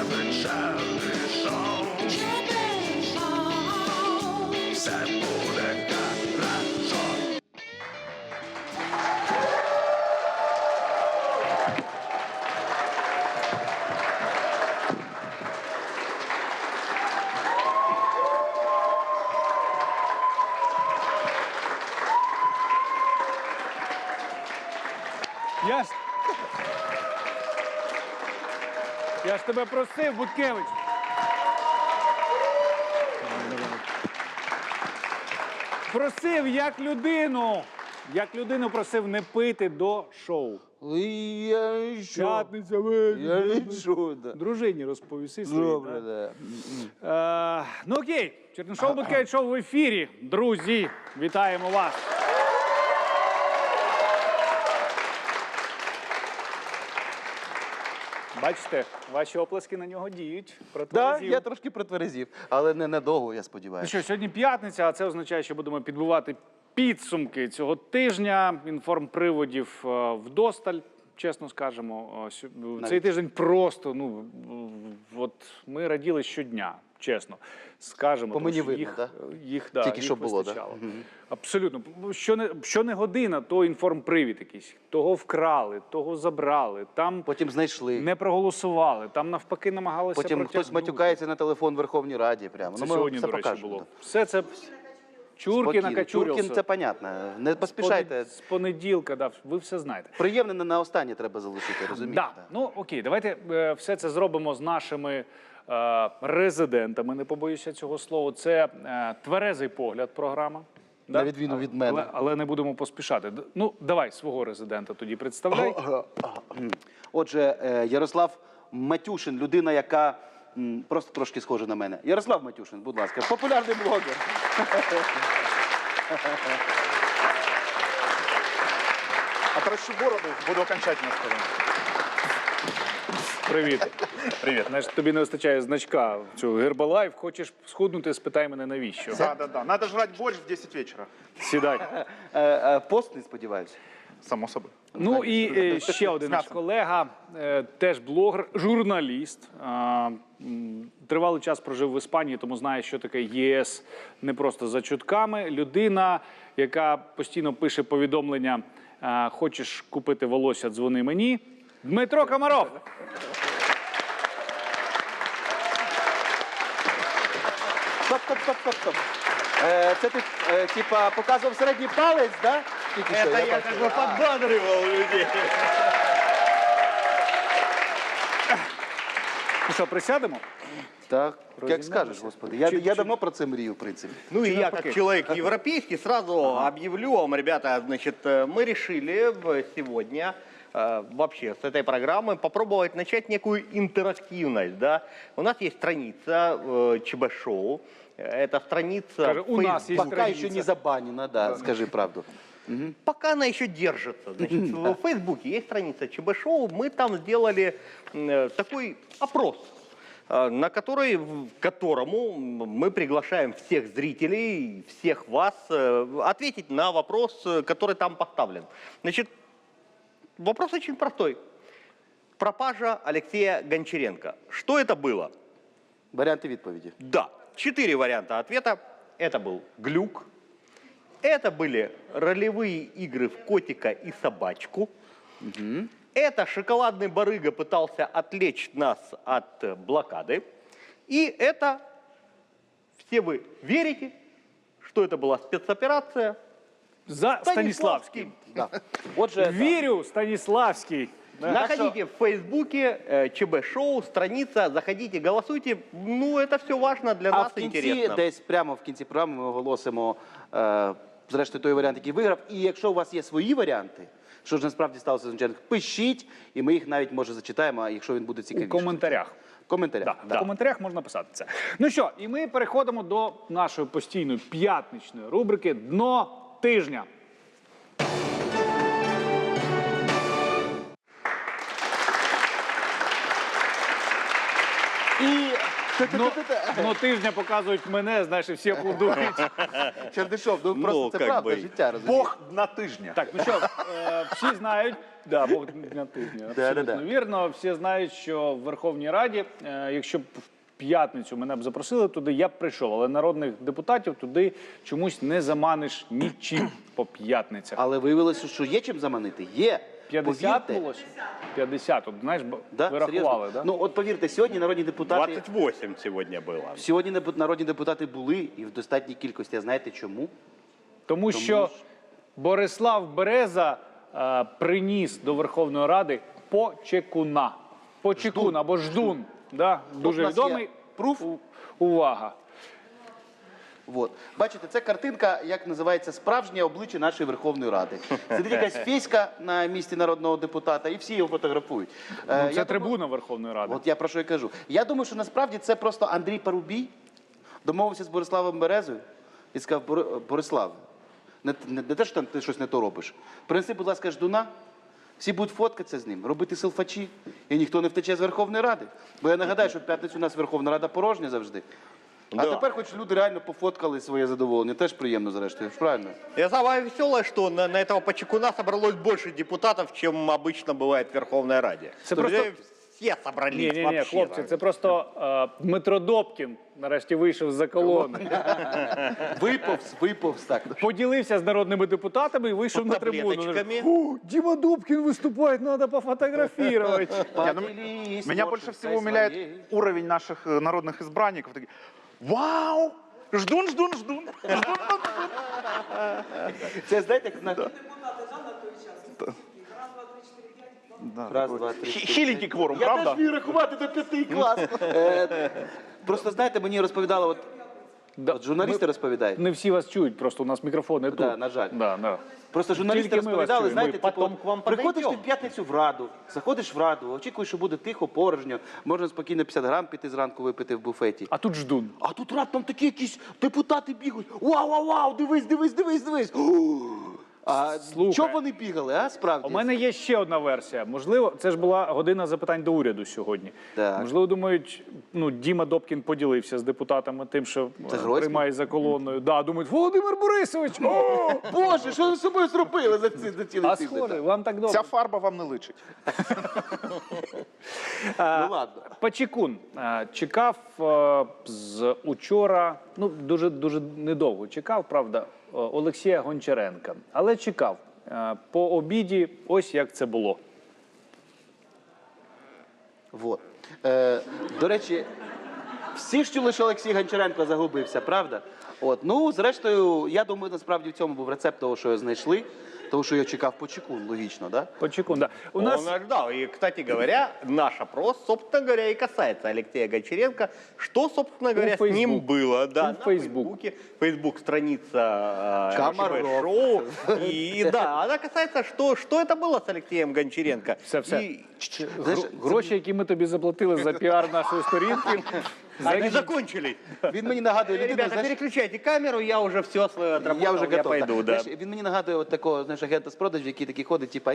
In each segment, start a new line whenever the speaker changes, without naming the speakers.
вечернє шоу. Все буде хорошо.
Я ж тебе просив, Буткевич. Просив як людину. Як людину просив не пити до шоу.
Я нічого.
П'ятниця вечір.
Я нічого, да.
Дружині розповіси свої.
Добре, да.
Ну окей, Чернишов Буткевич шоу в ефірі. Друзі, вітаємо вас. Бачите, ваші оплески на нього діють.
Да,
Протверезів.
я трошки протверезів, але не надовго, я
Ну
сподіваюся.
що, сьогодні п'ятниця, а це означає, що будемо підбивати підсумки цього тижня. Інформприводів вдосталь, чесно скажемо. Цей тиждень просто, ну, от ми раділи щодня, чесно. Скажемо,
По мені
тому що
видно, да?
їх
Тільки що було,
вистачало.
да?
Абсолютно. Що не година, то інформпривід якийсь. Того вкрали, того забрали, там
Потім знайшли.
не проголосували, там навпаки намагалися
Потім хтось
протягнути.
матюкається на телефон в Верховній Раді. Прямо.
Це
Ну, ми
сьогодні,
все
до речі,
покажемо.
було.
Да.
Все це Чуркін
Спокійно.
накачурився.
Чуркін, це понятно. Не поспішайте.
З понеділка, да, ви все знаєте.
Приємне на останнє треба залишити, розумієте?
Да. Ну, окей, давайте все це зробимо з нашими резидентами, не побоюся цього слова. Це «Тверезий погляд» програма.
На відміну від мене.
Але не будемо поспішати. Ну, давай свого резидента тоді представляй.
Отже, Ярослав Матюшин, людина, яка просто трошки схожа на мене. Ярослав Матюшин, будь ласка, популярний блогер.
Отращу бороду, буду окончательно сказано.
Привіт. Привіт. Знаєш, тобі не вистачає значка в цю Гербалайф. Хочеш схуднути, спитай мене навіщо.
Да. Надо жрать борщ в 10 вечера.
Сідай.
Постний, сподіваюся.
Само собой.
Ну і ще один наш колега, теж блогер, журналіст. Тривалий час прожив в Іспанії, тому знає, що таке ЄС не просто за чутками. Людина, яка постійно пише повідомлення «Хочеш купити волосся, дзвони мені». Дмитро Комаров.
Стоп. Це ти, типа, показував середній палець, да? Тільки що,
Это я
бачу.
как бы подбадривал людей.
Ну що, присядемо?
Так, як
Розім'ялися.
скажеш, господи. Я давно про це мрію, в принципі.
Ну и я,
навпаки.
как человек европейский, сразу объявлю вам, ребята, значит, мы решили сегодня вообще с этой программы попробовать начать некую интерактивность, да. У нас есть страница ЧБ-шоу, это страница...
Скажи, у нас есть
Пока
страница.
ще не забанена, да, скажи правду.
Пока она еще держится. Значит, в Фейсбуке есть страница ЧБ-шоу, мы там сделали такой опрос, на которому мы приглашаем всех зрителей, всех вас ответить на вопрос, который там поставлен. Значит, вопрос очень простой. Пропажа Алексея Гончаренко. Что это было?
Варіанти відповіді.
Да, 4 варианта ответа. Это был глюк. Это были ролевые игры в котика и собачку. Это шоколадный барыга пытался отвлечь нас от блокады. И это, все вы верите, что это была спецоперация.
За Станіславським.
Да. Отже,
Вірю, Станіславський.
Находите в Фейсбуке ЧБ-шоу, страница, заходите, голосуйте. Ну, это все важно для
а
нас,
в кінці,
интересно.
десь прямо в кінці програми ми оголосимо, зрештою, той варіант, який виграв. І якщо у вас є свої варіанти, що ж насправді сталося з Гончаренком, пишіть, і ми їх навіть, може, зачитаємо, якщо він буде
У
цікавіший.
коментарях.
В коментарях.
Да, в коментарях можна писати це. Ну що, і ми переходимо до нашої постійної п'ятничної рубрики «Дно тижня».
І
Ну, тижня показують мене, знаєш, і всі аплодують.
Чердишов, ну просто це
как
правда
бы.
життя, розумієш?
Бог на тижня.
Так, ну що, всі знають, да, Бог на тижня, абсолютно вірно. Всі знають, що в Верховній Раді, якщо б в п'ятницю мене б запросили туди, я б прийшов. Але народних депутатів туди чомусь не заманиш нічим по п'ятницях.
Але виявилося, що є чим заманити. Є.
50
Повірте.
було? 50, от, знаєш,
Да?
ви рахували,
Серйозно?
да?
Ну от повірте, сьогодні народні депутати...
28 сегодня было.
Сьогодні народні депутати були і в достатній кількості. А знаєте чому?
Тому що Борислав Береза приніс до Верховної Ради почекуна. Почекун або ждун. Да? Дуже
у нас
відомий.
є пруф.
Увага.
Вот. Бачите, це картинка, як називається, справжнє обличчя нашої Верховної Ради. Сидить якась феська на місці народного депутата, і всі його фотографують.
Це трибуна Верховної Ради.
От я про що й кажу. Я думаю, що насправді це просто Андрій Парубій домовився з Бориславом Березою і сказав: Борислав, не те, що там ти щось не то робиш. Принеси, будь ласка, ждуна, всі будуть фоткатися з ним, робити селфачі, і ніхто не втече з Верховної Ради. Бо я нагадаю, що в п'ятницю у нас Верховна Рада порожня завжди. А тепер хоч люди реально пофоткали своє задоволення. Теж приємно, зрештою, правильно?
И самое веселое, что на этого Почекуна собралось больше депутатов, чем обычно бывает в Верховной Раде.
Это
То есть
просто-
все собрались
Ні,
вообще.
хлопці, це просто Дмитро Добкін нарешті вийшов з-за колони.
Виповз так.
Поділився з народними депутатами і вийшов на трибуну.
Таблеточками.
Фу, Дима Добкин выступает, надо пофотографировать.
Меня больше всего умиляет уровень наших народных избранников. Такие, вау! Ждун, ждун, ждун.
Це, знаєте, як на... Раз, два, три, чотири.
Хиленький кворум,
Я
правда?
теж вмію рахувати до 5 клас. Просто, знаєте, мені розповідали, от журналісти розповідають.
Не всі вас чують, просто у нас мікрофони тут.
Да, на жаль.
Да.
Просто журналісти
Тільки ми вас
розповідали,
чуємо.
знаєте,
Ми потім
типу,
к вам
приходиш ти
подойдемо.
в п'ятницю в Раду, заходиш в Раду, очікуєш, що буде тихо, порожньо, можна спокійно 50 грам піти зранку випити в буфеті.
А тут ждун.
А тут раптом такі якісь депутати бігають. Вау, дивись. А
Слухай.
чого вони бігали, а, справді?
У мене є ще одна версія. Можливо, це ж була година запитань до уряду сьогодні.
Так.
Можливо, думають, ну, Діма Добкін поділився з депутатами тим, що
Гройсман?
приймає за колоною. Да, думають, Володимир Борисович! О!
Боже, що ви з собою зробили за цілий
А
тиждень?
схоже, вам так добре.
Ця фарба вам не личить.
Ну ладно.
Почекун чекав з учора, ну дуже недовго чекав, правда, Олексія Гончаренка. Але чекав. По обіді ось як це було.
Вот. До речі, всі ж чули, що Олексій Гончаренко загубився, правда? От. Ну, зрештою, я думаю, насправді в цьому був рецепт того, що його знайшли, того, що його чекав Почекун, логічно, да?
Почекун, да. У нас
Он ждал. И, кстати говоря, наш опрос, собственно говоря, и касается Алексея Гончаренко. Что, собственно говоря, с ним
Facebook.
было? Да,
У
на
Facebook.
Фейсбуке. Фейсбук страница
Комаров.
шоу. И да, она касается, что это было с Алексеем Гончаренко.
Все.
И
Знаєш,
Гроші, які ми тобі заплатили за піар нашої сторінки,
они закончились.
він мені нагадує людину,
Ребята,
знаєш,
переключайте камеру, я уже все свое отработал,
я вже готов.
пойду,
так.
да.
Знаєш, він мені нагадує от такого, знаєш, агента з продажів, який такий ходить, типа,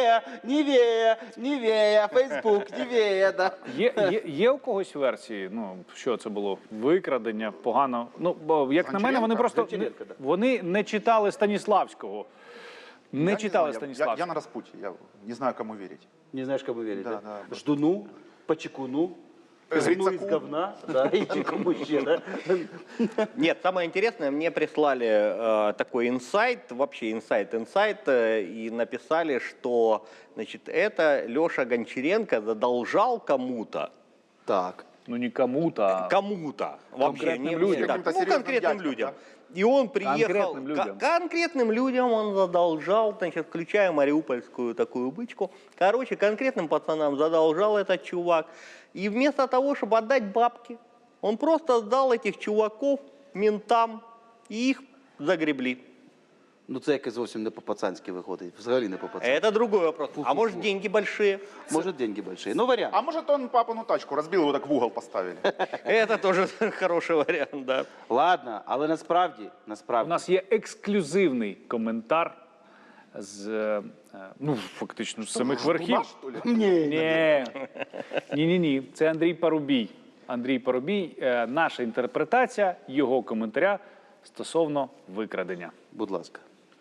Нівея, Фейсбук, Нівея, да.
є у когось версії, ну, що це було? Викрадення, погано. Ну, бо, як на мене, вони просто
Гончаренко, да.
вони не читали Станіславського. Не
Я
читали
знаю, я
Станіславського.
на распутье, я не знаю, кому верить.
Не знаєш, кому вірити,
Да,
да?
да.
Ждуну, Почекуну, Ждуну із
Грицаку.
говна, да, і чи кому ще, да?
Нет, самое интересное, мне прислали такой инсайт, вообще инсайт, и написали, что, значит, это Леша Гончаренко задолжал кому-то,
Так.
Ну, не кому-то, а
кому-то, вообще,
Конкретным людям.
так,
Каким-то
ну,
серьезным
конкретным
дядькам,
людям. И он приехал,
Конкретным людям.
конкретным людям он задолжал, значит, включая мариупольскую такую бычку. Короче, конкретным пацанам задолжал этот чувак. И вместо того, чтобы отдать бабки, он просто сдал этих чуваков ментам, и их загребли.
Ну це якось зовсім не по-пацанськи виходить, взагалі не по-пацанськи.
Это другой вопрос. А может, деньги большие?
Може, деньги большие. Ну, варіант.
А может, он папину тачку разбил, его так в угол поставили?
Это тоже хороший вариант, да.
Ладно, але насправді,
у нас є ексклюзивний коментар з, ну, фактично, з самих верхів.
Ждуна, что ли?
Ні. Це Андрій Парубій. Андрій Парубій. Наша інтерпретація його коментаря стосовно викрадення.
Будь ласка.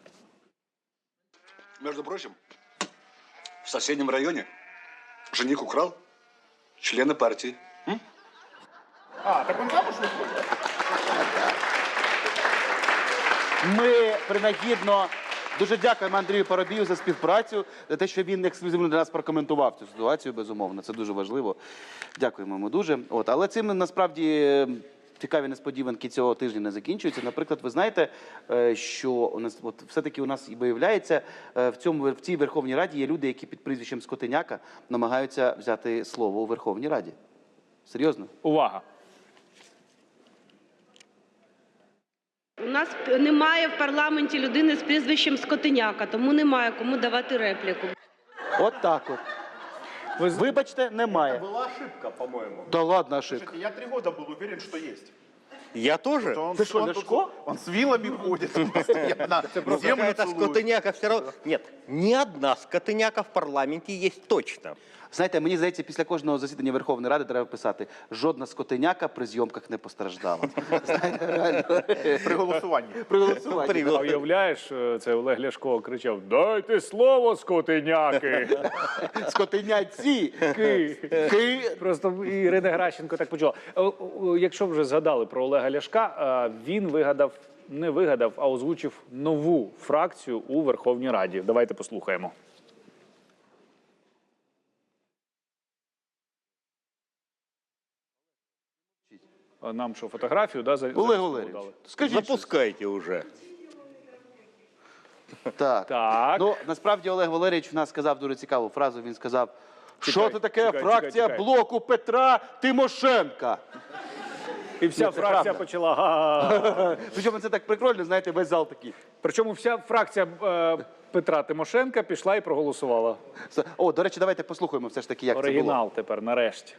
Между прочим, в соседнем районе жених украл члена партии.
А, так он замуж выходит?
Ми принагідно дуже дякуємо Андрію Парубію за співпрацю, за те, що він ексклюзивно для нас прокоментував цю ситуацію, безумовно. Це дуже важливо. Дякуємо йому дуже. Але цим насправді цікаві несподіванки цього тижня не закінчуються. Наприклад, ви знаєте, що у нас все-таки у нас і виявляється, в цій Верховній Раді є люди, які під прізвищем Скотиняка намагаються взяти слово у Верховній Раді. Серйозно?
Увага!
У нас немає в парламенті людини з прізвищем Скотиняка, тому немає кому давати репліку.
От так от. Вибачте, немає.
Была ошибка, по-моему.
Да ладно, ошибка.
Я 3 года был уверен, что есть.
Я тоже?
Он,
Ты что,
он,
Ляшко?
он с вилами ходит постоянно. Землю
Какая-то
целует.
скотыняка все равно... Нет, ни одна скотыняка в парламенте есть точно.
Знаєте, мені здається, після кожного засідання Верховної Ради треба писати: жодна скотиняка при зйомках не постраждала. Знаєте, реально.
При голосуванні.
При голосуванні.
А уявляєш, це Олег Ляшко кричав: «Дайте слово, скотиняки!»
Скотиняці!
Ки.
Ки.
Просто Ірина Геращенко так почула. Якщо вже згадали про Олега Ляшка, він не вигадав, а озвучив нову фракцію у Верховній Раді. Давайте послухаємо. А нам що, фотографію? Да,
Олег Валерійович, скажіть. щось.
Запускайте уже.
Так.
Так.
Ну, насправді Олег Валерійович в нас сказав дуже цікаву фразу. Він сказав: що це таке
чекай,
фракція
чекай.
блоку Петра Тимошенка?
І вся
Ну, це
фракція
правда.
почала га-га-га.
Причому це так прикольно, знаєте, весь зал такий.
Причому вся фракція Петра Тимошенка пішла і проголосувала.
О, до речі, давайте послухаємо все ж таки, як це було.
Оригінал тепер, нарешті.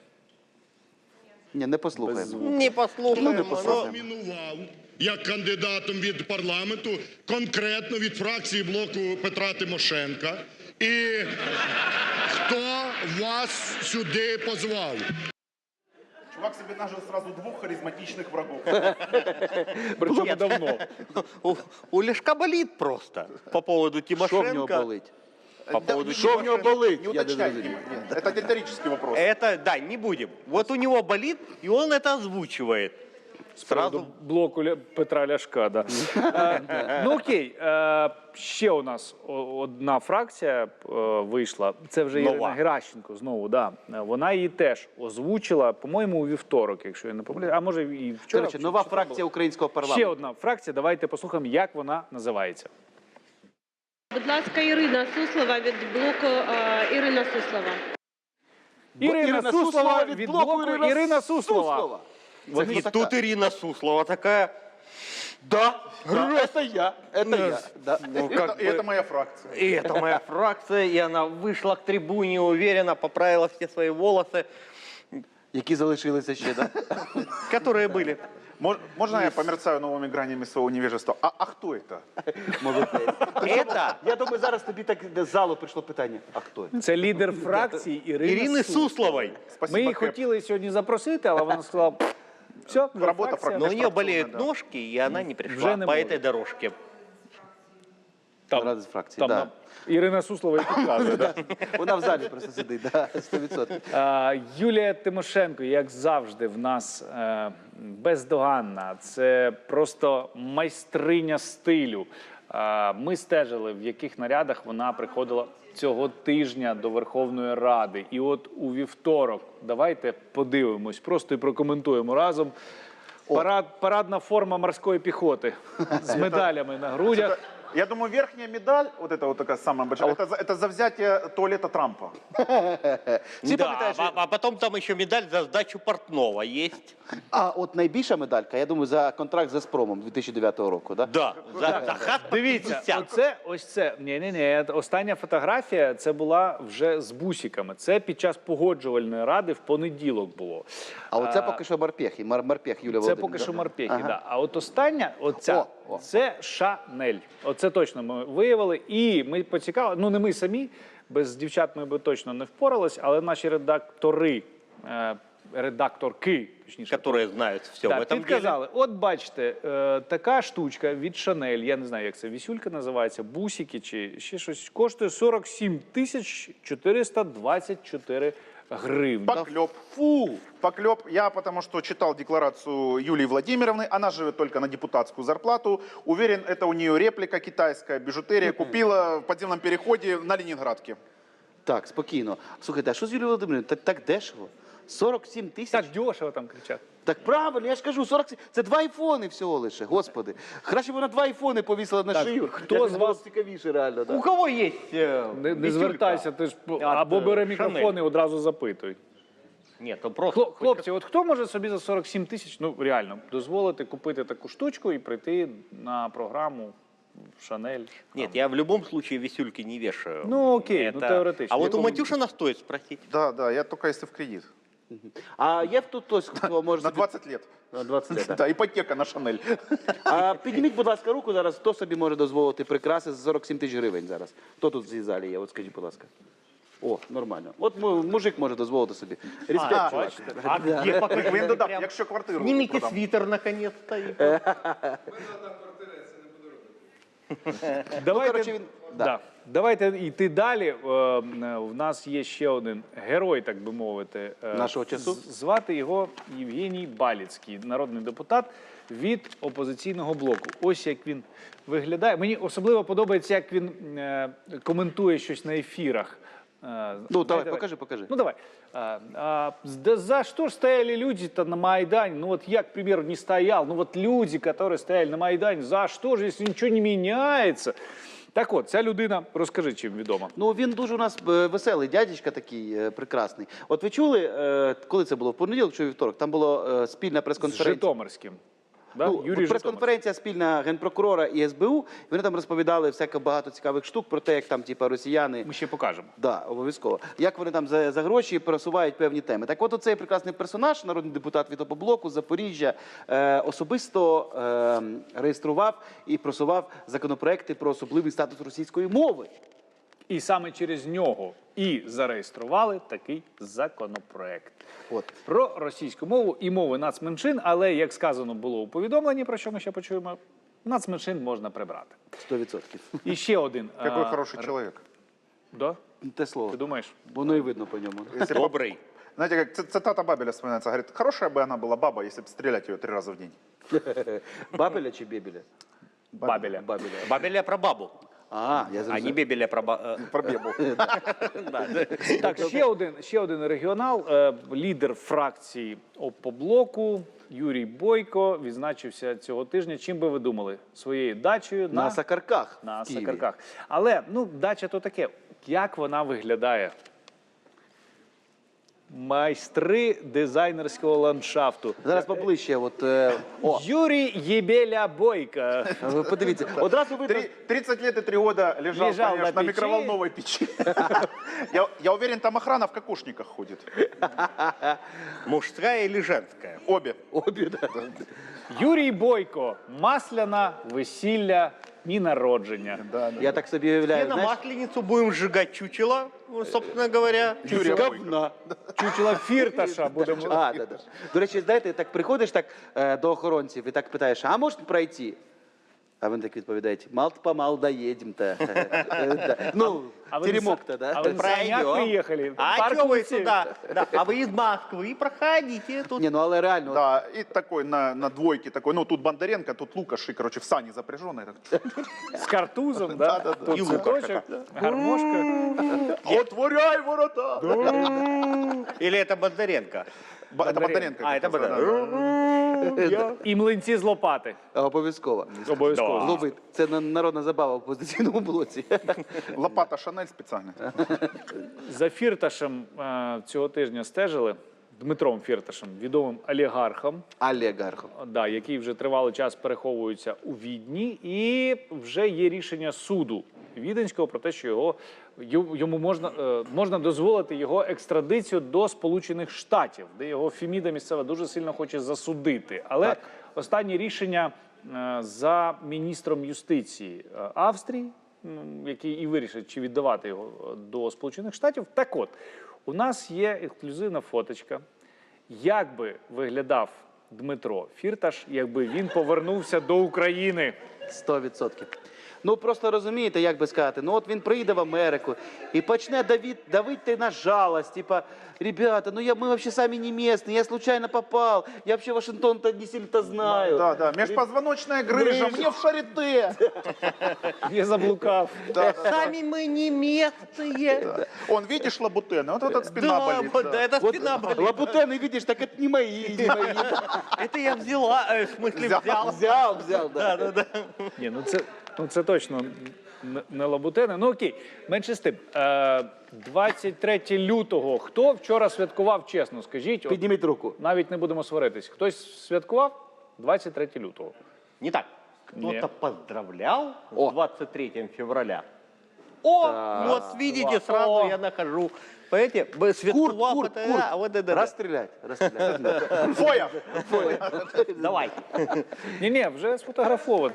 Ні, не послухаємо.
Не послушаем.
не послухаємо.
Номінував як кандидатом від парламенту, конкретно від фракції блоку Петра Тимошенка. І хто вас сюди позвав?
Чувак себе нажил сразу 2 харизматичных врагов.
Причому давно.
У Лешка болит просто по поводу
Що в нього
Тимошенко.
болить?
По поводу
Що в нього болить?
Не
Я
уточняй.
розумію.
Это риторический вопрос.
Это, да, не будем. Вот у него болит, и он это озвучивает. Сразу
Блоку Петра Ляшка, да. Ну окей, ще у нас одна фракція вийшла. Це вже
Нова.
Ірина Геращенко знову, да. Вона її теж озвучила, по-моєму, у вівторок, якщо я не помиляю. А може і вчора.
Коротше, нова фракція українського
Ще
парламенту.
одна фракція, давайте послухаємо, як вона називається.
Будь ласка, Ірина Суслова від блоку Ірина Суслова.
Ірина Суслова від блоку Ірина Суслова.
Це
и
хто така?
тут Ирина Суслова такая.
Да, це я, це я. Да.
Ну, как
И
бы,
это моя фракция.
и это моя фракция, и она вышла к трибуне уверенно, поправила все свои волосы,
Які залишилися ще, да?
которые были.
Можно я померцаю новыми гранями своего невежества? А кто это?
Молодець.
Это
Я думаю, зараз тобі так з залу прийшло питання. А хто?
Це лідер фракції
Ирины
Ірина Суслова.
Сусловой.
Спасибо,
Ми її
Кэп.
хотіли сьогодні запросити, але вона сказала, все,
Робота
Но у нее
Межфракционная,
болеют
да.
ножки, и она не пришла
Уже не
по
может.
этой дорожке.
Рада з фракції, да.
Ірина Суслова і підказує, да?
Вона в залі просто сидить, да, 100%.
Юлія Тимошенко, як завжди, в нас бездоганна. Це просто майстриня стилю. Ми стежили, в яких нарядах вона приходила цього тижня до Верховної Ради. І от у вівторок, давайте подивимось, просто і прокоментуємо разом. Парадна форма морської піхоти з медалями на грудях.
Я думаю, верхняя медаль, вот эта вот такая самая большая, это за взятие туалета Трампа.
Всі
Да,
пам'ятають, що...
а потом там еще медаль за сдачу портного есть.
А от найбільша медалька, я думаю, за контракт з Газпромом 2009 року, да?
Да, за хат по
Дивіться,
50.
ось це. Ні. Остання фотографія це була вже з бусиками. Це під час погоджувальної ради в понеділок було.
А оце поки що морпехи, морпех Юлія
Це
Володимирівна.
поки що морпехи,
Ага.
да. А от остання, оця,
О.
це Шанель. Оце точно ми виявили. І ми поцікавили, ну не ми самі, без дівчат ми би точно не впорались, але наші редактори редакторки, точніше,
Которые знают все в
да,
этом деле.
підказали. От бачите, така штучка від Шанель, я не знаю, як це, вісюлька називається, бусики чи ще щось, коштує 47 424 гривні.
Поклеп.
Фу!
Поклеп. Я потому что читал декларацию Юлии Владимировны. Она живет только на депутатскую зарплату. Уверен, это у нее реплика китайская, бижутерия. Купила в подземном переходе на Ленинградке.
Так, спокійно. Слухайте, а що з Юлією Володимирівною? Так дешево. 47 тисяч?
Так дешево там кричать.
Так правильно, я ж кажу, 47. Це 2 айфони всього лише, господи. Краще б вона 2 айфони повісила на шию.
хто
Якось
з
було
вас-
б цікавіше реально,
У
да.
кого есть
Не
висюлька?
звертайся, ти ж
От,
або бери
Шанель.
мікрофон і одразу запитуй.
Нет, ну просто...
Хлопці, от хто може собі за 47 тисяч, ну реально, дозволити купити таку штучку і прийти на програму в Шанель?
Нет, я в любом случае висюльки не вешаю.
Ну, окей, ну, теоретично.
А вот у
Якому-
Матюшина стоит спросить.
Да, я только если в кредит.
А є тут хтось, хто може
На
собі...
20 лет.
На 20 лет, так.
Да, ипотека на Шанель.
А підніміть, будь ласка, руку зараз, хто собі може дозволити прикраси за 47 тисяч гривень зараз? Хто тут в цій залі є? От скажіть, будь ласка. О, нормально. От мужик може дозволити собі. Респект, чувак.
А где пока?
Він додав,
Прям
якщо квартиру
Снимите
продам.
свитер наконец-то.
Давайте,
коротше, він-
да. Давайте йти далі. В нас є ще один герой, так би мовити.
Нашого часу?
Звати його Євгеній Баліцький, народний депутат від «Опозиційного блоку». Ось як він виглядає. Мені особливо подобається, як він коментує щось на ефірах.
Ну, давай, покажи.
Ну, давай. Да за что ж стояли люди-то на Майдане? Ну, вот я, к примеру, не стоял. Ну, вот люди, которые стояли на Майдане, за что же, если ничего не меняется? Так от, ця людина, розкажи, чим відома.
Ну, він дуже у нас веселий дядечка такий, прекрасний. От ви чули, коли це було, в понеділок чи у вівторок, там була спільна
З
прес-конференція.
Житомирським. Да?
Ну,
Юрій Житомирський.
прес-конференція спільна Генпрокурора і СБУ, і вони там розповідали всяко багато цікавих штук про те, як там, типа, росіяни...
Ми ще покажемо.
Да, обов'язково. Як вони там за гроші просувають певні теми. Так от оцей прекрасний персонаж, народний депутат від «Опоблоку» з Запоріжжя, особисто реєстрував і просував законопроекти про особливий статус російської мови.
І саме через нього і зареєстрували такий законопроект.
От.
Про російську мову і мови нацменшин, але, як сказано було у повідомленні, про що ми ще почуємо, нацменшин можна прибрати.
100%.
І ще один.
Какой хороший человек.
Да?
Те слово.
Ти думаєш?
Воно і видно по ньому.
Добрый.
Знаете, как цитата Бабеля вспоминается, говорит, хорошая бы она была баба, если бы стрелять ее 3 раза в день.
Бабеля чи Бебеля?
Бабеля.
Бабеля.
Бабеля про бабу,
А, я
а
зрозумів.
не бебеля про бабу.
Про бебу.
Так, ще один регіонал, лідер фракції «Опоблоку» Юрій Бойко відзначився цього тижня. Чим би ви думали? Своєю дачею
На Сакарках
на
в Києві.
Сакарках. Але, ну, дача то таке. Як вона виглядає? Майстри дизайнерського ландшафту.
Зараз поближче. От, о,
Юрій Єбеля Бойко.
ви подивіться. Одразу видно.
30 лет и 3 года лежал,
Лежал
конечно,
на
на
печи.
микроволновой печи. Я уверен, там охрана в кокошниках ходит.
Мужская или женская?
Обе.
Обі, да.
Юрій Бойко. Масляна, весілля, дні народження.
Я так собі уявляю,
И на
знаєш,
масленицу будем сжигать чучело, собственно говоря.
Юрия Бойко.
говна.
Чучела Фірташа будемо.
А, да. До речі, знаєте, так приходиш так до охоронців і так питаєш, а можете пройти? А вони так відповідають, мал-помал доїдемо-то. Ну, теремок-то,
А
да?
ви на санях приїхали?
А
Парк
что вы
Луцеев.
сюда? Да, а вы из Москвы проходите тут.
Ні, ну але реально,
Да, и такой на двойке такой, ну тут Бондаренко, тут Лукаш, и, короче, в сани запряженный.
З картузом, да? Тут
І
цветочок, гармошка.
Отворяй ворота!
Или это Бондаренко?
Это Бондаренко.
А, это
как раз, да,
Бондаренко.
І млинці з лопати.
обов'язково.
Обов'язково.
Зловить. Це народна забава в опозиційному блоці.
да. Лопата Шанель специально.
За Фірташем цього тижня стежили, Дмитром Фірташем, відомим олігархом,
Олігархом.
да, який вже тривалий час переховується у Відні, і вже є рішення суду Віденського про те, що йому можна дозволити його екстрадицію до Сполучених Штатів, де його Феміда місцева дуже сильно хоче засудити. Але останнє рішення за міністром юстиції Австрії, який і вирішить, чи віддавати його до Сполучених Штатів. Так от, у нас є ексклюзивна фоточка, Як би виглядав Дмитро Фірташ, якби він повернувся до України?
100%. Ну, просто розумієте, як би сказати, ну от він приїде в Америку і почне давити на жалость, типа, ребята, ну мы вообще сами не местные, я случайно попал, я вообще Вашингтон-то не сильно-то знаю.
Да, межпозвоночная грыжа, мне в шарите.
Я заблукав.
Сами мы не местные.
Он, видишь, лабутены, вот этот спина
Да,
болит.
вот, да, это
Вот
спина болит.
лабутены, видишь, так это не мои, не мои.
Это я взяла, в смысле взял.
Взял, да.
Да.
Ні, ну це точно не лабутени. Ну окей, менше з тим. 23 лютого. Хто вчора святкував, чесно, скажіть? От,
Підніміть руку.
навіть не будемо сваритись. Хтось святкував 23 лютого?
Не так.
Нет.
Кто-то поздравлял
О.
с 23 февраля. О, вот видите, сразу я нахожу. Понимаете, святкував это, а вот это.
Расстрелять.
Фоя.
Давай.
Ні, вже сфотографовано.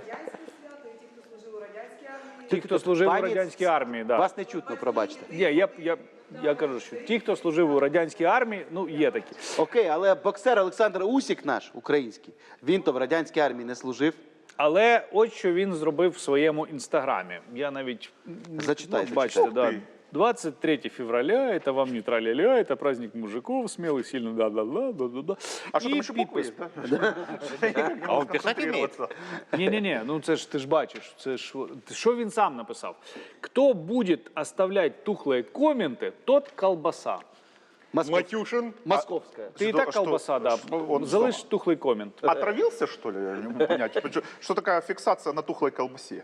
Ті, хто служив у радянській армії, да.
Вас не чутно, пробачте.
Ні, я кажу, що ті, хто служив у радянській армії, ну, є такі.
Окей, але боксер Олександр Усік наш, український, він то в радянській армії не служив.
Але от що він зробив в своєму інстаграмі. Я навіть,
Зачитай,
бачите,
зачитай.
да. 23 февраля, это вам не траля-ля, это праздник мужиков, смелых, сильных, да-да-да.
А что там
И
еще буквы
підпис.
есть, да?
А он писать умеет?
Ні, ну це ж ти ж бачиш, це ж що він сам написав. Хто буде оставлять тухлые комменти, тот колбаса.
Матюшин.
Московська.
Ти і
Что-
так колбаса, да.
что он
Залиш
сам?
тухлий комент.
Отравился, что ли? Я не могу понять. Что такая фиксация на тухлой колбасе?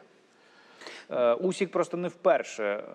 Усік просто не вперше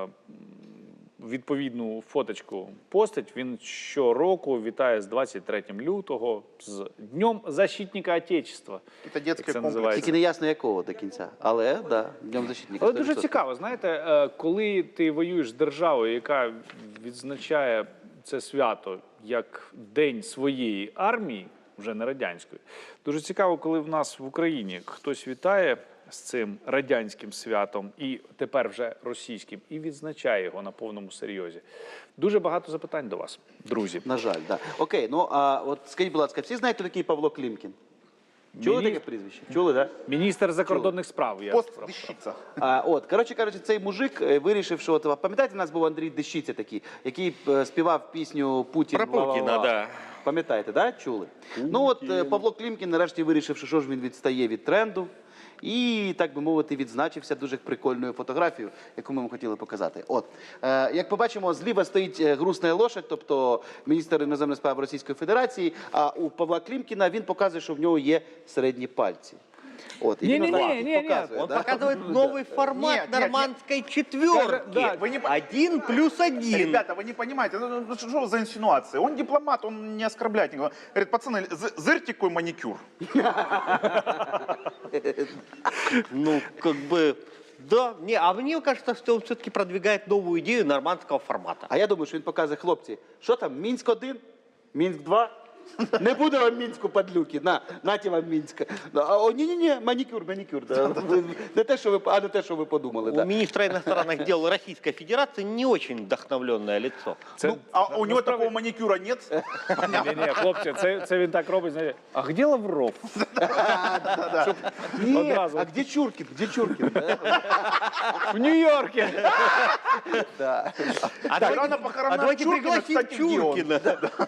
відповідну фоточку постить. Він щороку вітає з 23 лютого, з Днем Защитника Отечества.
Это детский
Як це
комплекс.
називається.
Тільки не ясно якого до кінця. Але, да, Днем защитника.
Але дуже
100%.
цікаво, знаєте, коли ти воюєш з державою, яка відзначає це свято як День своєї армії, вже не радянської, дуже цікаво, коли в нас в Україні хтось вітає з цим радянським святом і тепер вже російським, і відзначає його на повному серйозі. Дуже багато запитань до вас, друзі.
На жаль, да. Окей, ну а от скажіть, будь ласка, всі знають, хто такий Павло Клімкін? Чули таке прізвище? Чули, так? Да?
Міністр закордонних справ. Я
Пост
справ.
Дещица.
Коротше кажучи, цей мужик вирішив, що от, пам'ятаєте, у нас був Андрій Дещиця такий, який співав пісню «Путін».
Про Путіна,
ла-ла-ла».
да.
Пам'ятаєте, да? Чули? Ну от Павло Клімкін нарешті вирішив, що ж він відстає від тренду. І, так би мовити, відзначився дуже прикольною фотографією, яку ми вам хотіли показати. От, як побачимо, зліва стоїть грустна лошадь, тобто міністр іноземних справ Російської Федерації, а у Павла Клімкіна він показує, що в нього є середні пальці. От, і він
Ні-ні-ні,
показує,
Он
да?
показывает новый формат
Нет,
нормандской четверки.
Да,
вы не по-
1+1.
Ребята, вы не понимаете, ну, что за инсинуации? Он дипломат, он не оскорбляет никого. Говорит, пацаны, зырьте какой маникюр.
Ну, как бы, да. Не, а мне кажется, что он все-таки продвигает новую идею нормандского формата.
А я думаю, що він показує, хлопці, що там, Мінськ-1, Мінськ-2? Не буде вам Мінську, падлюки, наті вам Мінська. Ні-ні-ні, манікюр. Да. Не те, що ви подумали.
У
Да.
министра иностранных дел Российской Федерации не очень вдохновленное лицо.
Ну, а у него такого маникюра нет?
Ні, хлопці, це він так робить, знаєте. А де Лавров?
Ні,
Одразу.
а де Чуркін? Де Чуркін?
В Нью-Йорку.
Да.
А
Вчера на похоронах
давайте
Чуркина,
пригласим
кстати, где он?
Чуркина.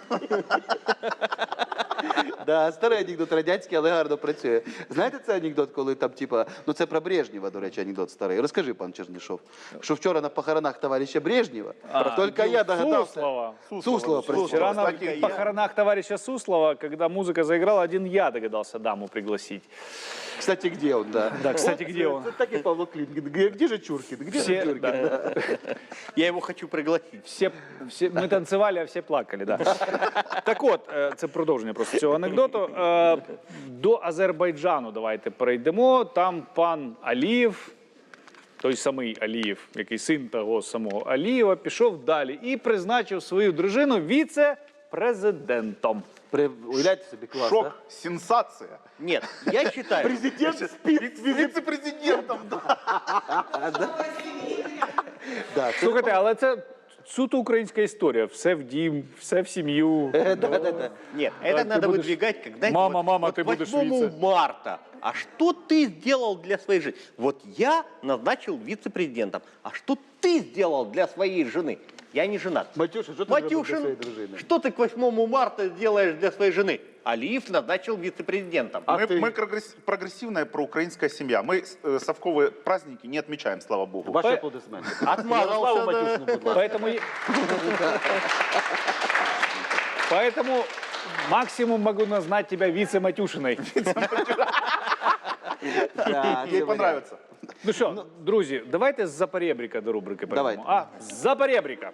Да, старий анекдот радянський, але гарно працює. Знаєте цей анекдот, коли там, типа, ну це про Брежнєва, до речі, анекдот старий. Розкажи, пан Чернишов, що вчора на похоронах товариша Брежнєва, тільки я догадався.
Суслова.
Суслова, простите.
Вчера на
Кстати,
похоронах товарища Суслова, когда музыка заиграла, один я догадался даму пригласить.
Кстати, где он, да?
Да, кстати, где он?
Це так і Павло Клімкін. Где же Чуркін? Где же Чуркін? Да.
Я его хочу пригласить.
Всі, ми танцювали, а всі плакали, да. Так от, це продовження просто цього анекдоту. До Азербайджану давайте перейдемо. Там пан Алієв, той самий Алієв, який син того самого Алієва, пішов далі і призначив свою дружину віце-президентом.
Уявляєте собі, клас,
Шок,
да?
сенсация.
Нет, я считаю,
Президент спит.
Вице-президентом, да.
Да,
Слухайте, але це суто українська історія. Все в дім, все в сім'ю.
Да-да-да.
Нет,
Так,
это
ты
надо
будешь-
выдвигать, когда...
Мама, ты
вот
будешь
8
вице.
марта. А что ты сделал для своей жены? Вот я назначил вице-президентом. А что ты сделал для своей жены? Я не женат.
Матюша, що ти зробив для
Матюшин,
своєї дружини?
что ты к 8 марта сделаешь для своей жены? Алиев назначил вице-президентом.
А
мы,
ты?
мы прогрессивная проукраинская семья. Мы совковые праздники не отмечаем, слава богу.
Ваші аплодисменти.
Отмазался,
Ярославу
да.
Матюшину, будь ласка.
Поэтому максимум могу назвать тебя вице-матюшиной.
Да,
Ей
це
понравится.
Ну що, друзі, давайте з запорєбріка до рубрики перейдемо.
Давайте.
А, з запорєбріка.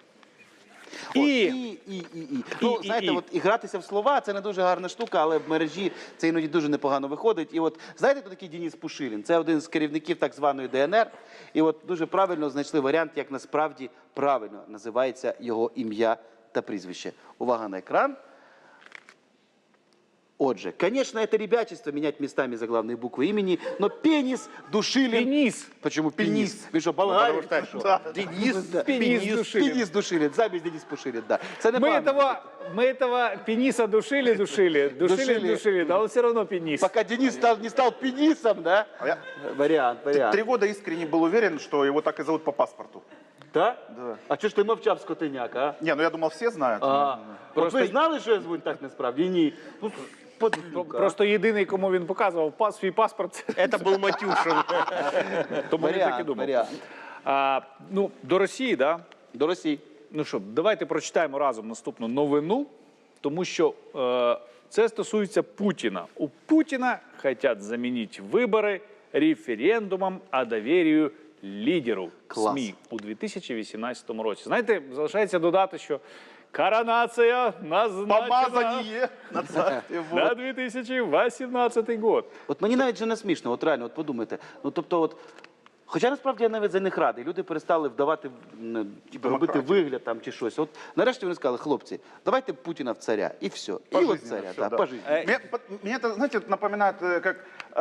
І. Ну, знаєте, от і гратися в слова, це не дуже гарна штука, але в мережі це іноді дуже непогано виходить. І от, знаєте, хто такий Денис Пушилін? Це один з керівників так званої ДНР. І от дуже правильно знайшли варіант, як насправді правильно називається його ім'я та прізвище. Увага на екран. Отже, конечно, это ребячество менять местами заглавные буквы имени, но пенис Душилин...
Пеніс.
Почему пенис? Вы что, болгарин?
Денис,
Пенис Душилин.
Пенис Душилин, замість Денис Пушилин, да. Це не
Мы этого пениса душили,
Душили.
да он все равно пенис.
Пока Денис не стал пенисом, да?
А я
Вариант.
3 года искренне был уверен, что его так и зовут по паспорту.
Да?
Да.
А чого ж ти мовчав, скотиняк, а?
Не, ну я думал, все знают.
От
Просто-
ви знали, що я звуть так насправді? Ні. Ну, подлюка.
Просто єдиний, кому він показував свій паспорт,
это был Матюшин.
тому він так і думав.
Варіант.
Ну, до Росії, да?
До Росії.
Ну що, давайте прочитаємо разом наступну новину, тому що це стосується Путіна. У Путіна хочуть замінити вибори референдумом о довір'ю лідеру
Клас.
СМІ у 2018 році. Знаєте, залишається додати, що коронація назначена
Помазание на царстве.
на 2018 год.
От мені навіть вже не смішно, от реально, от подумайте. Ну, тобто, от, хоча насправді я навіть за них радий. Люди перестали вдавати, робити вигляд там чи щось. От нарешті вони сказали, хлопці, давайте Путіна в царя, і все. І от
Пожизненно
царя,
всё,
да,
да.
пожизненно.
Мне это, знаете, напоминает, как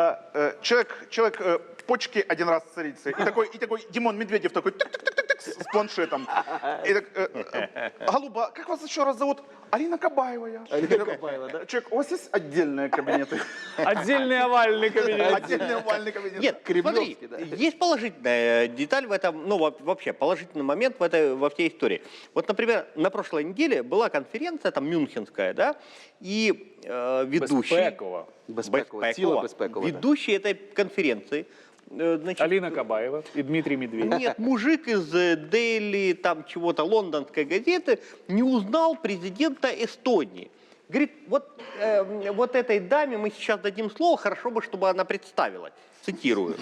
человек почки один раз царицы, и такой Димон Медведев такой тык-тык-тык-тык с планшетом. И так, голуба, как вас еще раз зовут? Алина Кабаева.
Алина Кабаева, да?
Человек, у вас есть отдельные кабинеты?
Отдельний овальний кабінет.
Отдельный овальный кабинет?
Нет, смотри,
Кремлевский, да.
есть положительная деталь в этом, ну вообще положительный момент во всей истории. Вот, например, на прошлой неделе была конференция, там мюнхенская, да, и ведущий...
Безпекова.
Безпекова, ціла безпекова. да.
Ведущий этой конференции, значит,
Аліна Кабаєва і Дмитрій Медведєв.
нет, мужик из Daily, там чего-то, лондонской газеты, не узнал президента Эстонии. Говорит, вот этой даме мы сейчас дадим слово, хорошо бы, чтобы она представилась. Цитирую.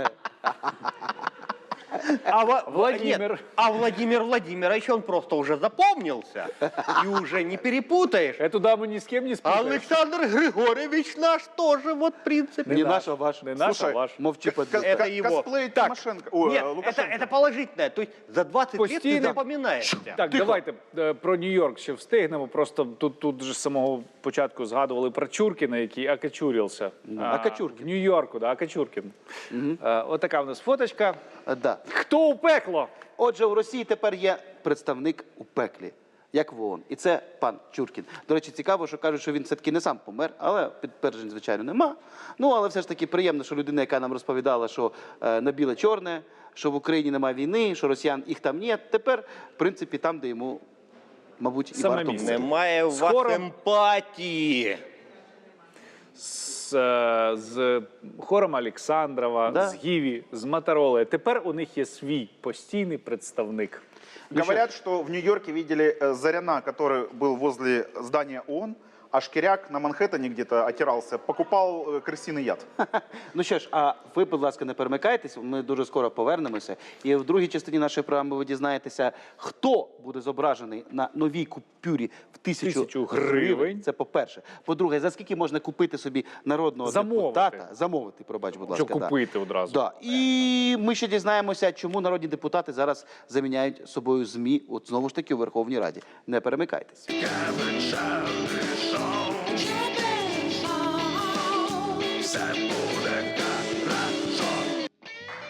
Владимир.
Нет, а Владимир Владимирович, он просто уже запомнился. И уже не перепутаешь.
Эту даму ни с кем не спутаешь.
Александр Григорьевич наш тоже, вот, в принципе.
Не наш, а ваш.
Не наш, а
Слушай,
ваш.
Мовчи, подлюка.
Это его.
Косплей
Так,
Тимошенко. Ой,
Нет,
Лукашенко.
это положительное. То есть за 20 лет ты
Постійно-
запоминаешься.
Так, давайте про Нью-Йорк ще встигнемо. Просто тут же з самого початку згадували про Чуркіна, який окочурився.
Окочуркін.
В Нью-Йорку, да, Окочуркін. Отака в нас фоточка.
Да.
Хто у пекло?
Отже, у Росії тепер є представник у пеклі, як в ООН. І це пан Чуркін. До речі, цікаво, що кажуть, що він все-таки не сам помер, але підтверджень, звичайно, нема. Ну, але все ж таки приємно, що людина, яка нам розповідала, що на біле-чорне, що в Україні немає війни, що росіян їх там нет, тепер, в принципі, там, де йому, мабуть, і
Саме
варто
місце.
бути.
Немає у вас
Скоро-
емпатії.
З хором Олександрова,
Да.
з Гіві, з Мотороли. Тепер у них є свій постійний представник.
Говорят, что в Нью-Йорке видели Заряна, который был возле здания ООН, а Шкиряк на Манхэттене где-то отирался, покупал крысиный яд.
Ну що ж, а ви, будь ласка, не перемикайтесь, ми дуже скоро повернемося. І в другій частині нашої програми ви дізнаєтеся, хто буде зображений на новій купюрі в 1000 гривень. Це по-перше. По-друге, за скільки можна купити собі народного
Замовити.
депутата? Замовити, пробач, будь ласка.
Що купити одразу.
Да. І ми ще дізнаємося, чому народні депутати зараз заміняють собою ЗМІ, от знову ж таки у Верховній Раді. Не перемикайтесь.
Все буде